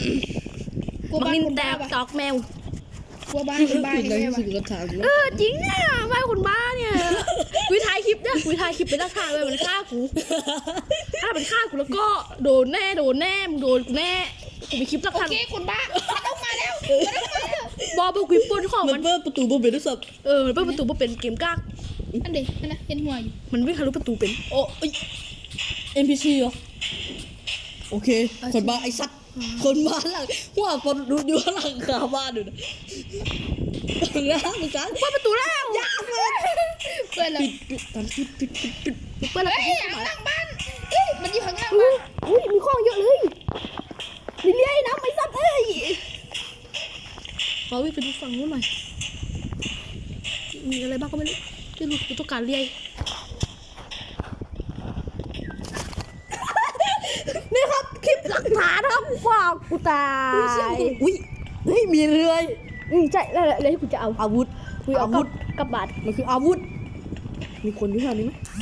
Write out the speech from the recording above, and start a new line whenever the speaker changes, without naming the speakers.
กลัว
บัก
บ้าน
นิน
คน
แต
บ้าก ปะ
ตอกแมว
กลัวบ้านคนบ้า
ใน
ใช่ไหม
ที่สุดก็ถาม
จริงเนี่ยบ้านคนบ้าเนี่ยคุยถ่ายคลิปเนี่ยคุยถ่ายคลิปเป็นราคาเลยมันฆ่ากูถ้าเป็นฆ่ากูแล้วก็โดนแน่มึงโดนกูแน่กูมีคลิปหลัก
โอ
ฐาน
เคคนบ้ามันต้องมาแล้วมันต้องมาแล้ว
บอกกูปนของ
มั
มัน น
เปิดประตูบ่เป็นด้วยซ้
มันเปิดประตูมาเป็นเกมกาก
อันเด็กนะเห็นหัวอยู่
มันวิ่งทะลุประตูเป็น
ำโอ้ย NPC เหรอโอเคคนบ้าไอ้สัตว์คนบ้าหลังหัวคนดูอยู่หลังคาบ้านอยู่นะนะมึงกัน
เปิดประตูแล้ว
เพื่อนเรา
ปิดตอนปิด
เปิดแล้ว
เฮ้ยข้างหลังบ้านเฮ้ยมันอยู่ข้างล่างบ้าน
อุ้ยมีของเยอะเลยมีเลี้ยนะไม่ซัดเอ้ยขอวิ่งไปดูฝั่งนู้นหน่อยมีอะไรบ้างก็ไม่รู้ที่รู้กูต้องการเลี้ยนี่ครับคลิปหลักฐานครับฝากกูตาย
อุ้ยเฮ้ยมีเรือ
ใช่แล้วที่กูจะเอา
อาวุธ
กูเอากลับบ้าน
มันคืออาวุธมีคนอยู่แถวนี้ไหม